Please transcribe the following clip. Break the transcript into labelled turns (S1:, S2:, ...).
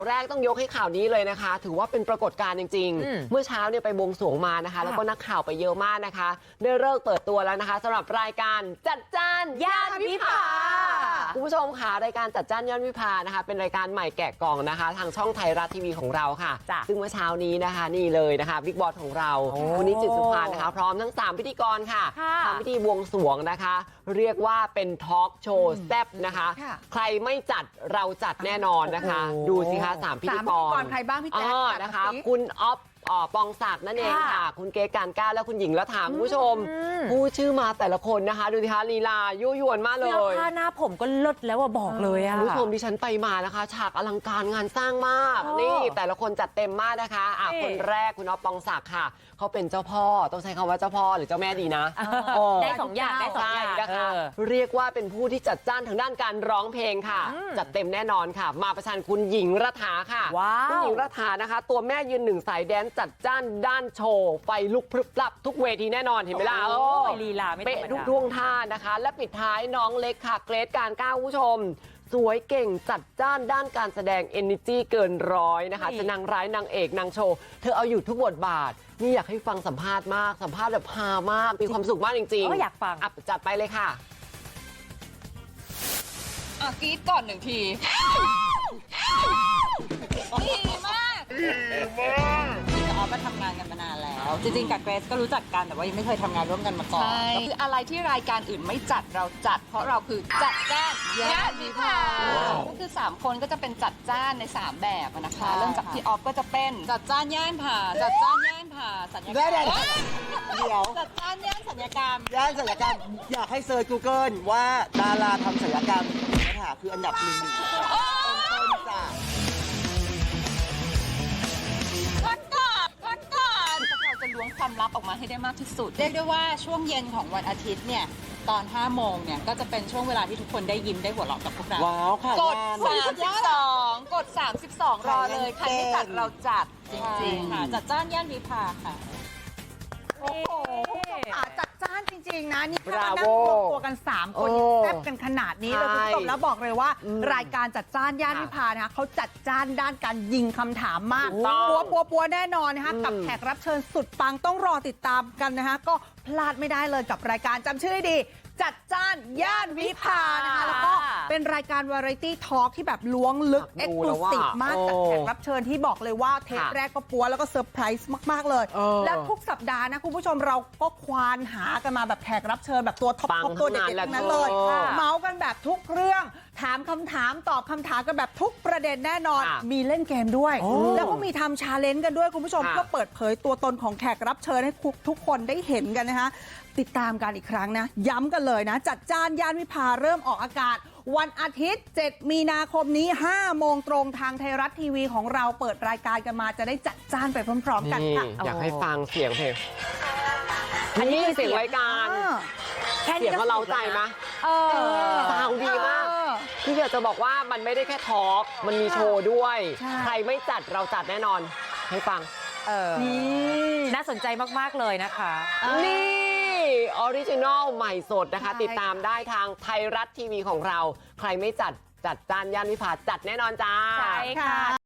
S1: แรกต้องยกให้ข่าวนี้เลยนะคะถือว่าเป็นปรากฏการณ์จริงๆเมื่อเช้าเนี่ยไปบวงสรวงมานะคะแล้วก็นักข่าวไปเยอะมากนะคะได้เลิกเปิดตัวแล้วนะคะสำหรับรายการจัดจ้านย่านวิภาคุณผู้ชมค่ะรายการจัดจ้านย่านวิภานะคะเป็นรายการใหม่แกะกล่องนะคะทางช่องไทยรัฐทีวีของเราค่ะซึ่งเมื่อเช้านี้นะคะนี่เลยนะคะบิ๊กบอสของเราคุณนิจิตสุภานะคะพร้อมทั้ง3พิธีกรค่ะทำพิธีบวงสรวงนะคะเรียกว่าเป็นทอล์กโชว์แซ่บนะคะใครไม่จัดเราจัดแน่นอนนะคะดูสิคะ3พิธีกร
S2: ใครบ้างพี่แจ๊ค
S1: นะคะคุณอ๊อฟปองศักดิ์นั่นเองค่ะคุณเกศการก้าวและคุณหญิงรัฐาคุณผู้ชมผู้ชื่อมาแต่ละคนนะคะดูสิคะลีลายั่วยวนมากเลย
S3: ผ้าหน้าผมก็เลิศแล้วบอกเลย
S1: คุณผู้ชมดิฉันไปมานะคะฉากอลังการงานสร้างมากนี่แต่ละคนจัดเต็มมากนะคะคนแรกคุณอ๊อฟปองศักดิ์ค่ะเขาเป็นเจ้าพ่อต้องใช้คำว่าเจ้าพ่อหรือเจ้าแม่ดีนะ
S3: ได้2 อย่างได้2 อย่าง
S1: นะคะเรียกว่าเป็นผู้ที่จัดจ้านทางด้านการร้องเพลงค่ะจัดเต็มแน่นอนค่ะมาประชันคุณหญิงรัฐาค่ะคุณหญิงรัฐานะคะตัวแม่ยืนหนึ่งสายแดนจัดจ้านด้านโชว์ไฟลุกพรึบพรับทุกเวทีแน่นอนเห็นไหมล่ะ
S3: ลีลาไม่ธรรมดา
S1: เป๊ะทุกท่วงท่านะคะและปิดท้ายน้องเล็กค่ะเกรทการก้าวผู้ชมสวยเก่งจัดจ้านด้านการแสดง energy เกินร้อยนะคะจะนางร้ายนางเอกนางโชว์เธอเอาอยู่ทุกบทบาทนี่อยากให้ฟังสัมภาษณ์มากสัมภาษณ์แบบฮามากมีความสุขมากจริง
S3: ๆอยากฟัง
S1: จัดไปเลยค่ะ
S2: กรี๊ดก่อน1 ทีดีมากกับออฟมาทำงานกันมานานแล้วจริงๆกับเกรซก็รู้จักกันแต่ว่ายังไม่เคยทำงานร่วมกันมาก่อนคืออะไรที่รายการอื่นไม่จัดเราจัดเพราะเราคือจัดจ้านย่านวิภาก็คือ3คนก็จะเป็นจัดจ้านใน3แบบนะคะเริ่มจากที่ออฟก็จะเป็นจัดจ้านย่านผ่าจัดจ้านย่านผ่าสัญญกรรม
S4: เดี๋ยว
S2: จัดจ้านย่านสัญญกรรม
S4: อยากให้เซิร์ช Google ว่าดาราทำศัลยกรรมนะคะคืออันดับ1ต้นจ้ะ
S2: เราจะล้วงความลับออกมาให้ได้มากที่สุดเรียกได้ว่าช่วงเย็นของวันอาทิตย์เนี่ยตอน5 โมงเนี่ยก็จะเป็นช่วงเวลาที่ทุกคนได้ยิ้มได้หัวเราะกับพวกเรา
S4: ว้าวค่ะ
S2: กด32รอเลยใครไม่จัดเราจัดจริงๆค่ะจัดจ้านย่านวิภาค่ะ
S5: โอ้โหจัดจ้านจริงๆนะนี่ถ้านั่งรวมตัวกัน3 คนแซ่บกันขนาดนี้เลยคุณผู้ชมแล้วบอกเลยว่ารายการจัดจ้านย่านวิภานะคะเขาจัดจ้านด้านการยิงคำถามมากปัวแน่นอนนะคะกับแขกรับเชิญสุดปังต้องรอติดตามกันนะคะก็พลาดไม่ได้เลยกับรายการจำชื่อดีจัดจ้านย่านวิภานะคะแล้วก็เป็นรายการวาไรตี้ทอล์กที่แบบล้วงลึกเอ็กซ์คลูซีฟมากจากแขกรับเชิญที่บอกเลยว่าเทปแรกก็ปัวแล้วก็เซอร์ไพรส์มากๆเลยแล้วทุกสัปดาห์นะคุณผู้ชมเราก็ควานหากันมาแบบแขกรับเชิญแบบตัวท็อปตัวเด็ดๆทั้งนั้นเลยเมาส์กันแบบทุกเรื่องถามคำถามตอบคำถามกันแบบทุกประเด็นแน่นอนมีเล่นเกมด้วยแล้วก็มีทำชาเลนจ์กันด้วยคุณผู้ชมเพื่อเปิดเผยตัวตนของแขกรับเชิญให้ทุกคนได้เห็นกันนะคะติดตามกันอีกครั้งนะย้ำกันเลยนะจัดจ้านย่านวิภาเริ่มออกอากาศวันอาทิตย์7 มีนาคมนี้5 โมงตรงทางไทยรัฐทีวีของเราเปิดรายการกันมาจะได้จัดจ้านไปพร้อมๆกันค่ะ
S1: อยากให้ฟังเสียงเพลงอันนี้เสียงรายการเสียงเขาเล้าใจไหมซาวดีมากที่อยากจะบอกว่ามันไม่ได้แค่ทอล์กมันมีโชว์ด้วยใครไม่จัดเราจัดแน่นอนให้ฟัง
S3: น่าสนใจมากๆเลยนะคะ
S1: นี่ออริจินอลใหม่สดนะคะติดตามได้ทางไทยรัฐทีวีของเราใครไม่จัดจ้านย่านวิภาจัดแน่นอนจ้า
S3: ใช่ค่ะ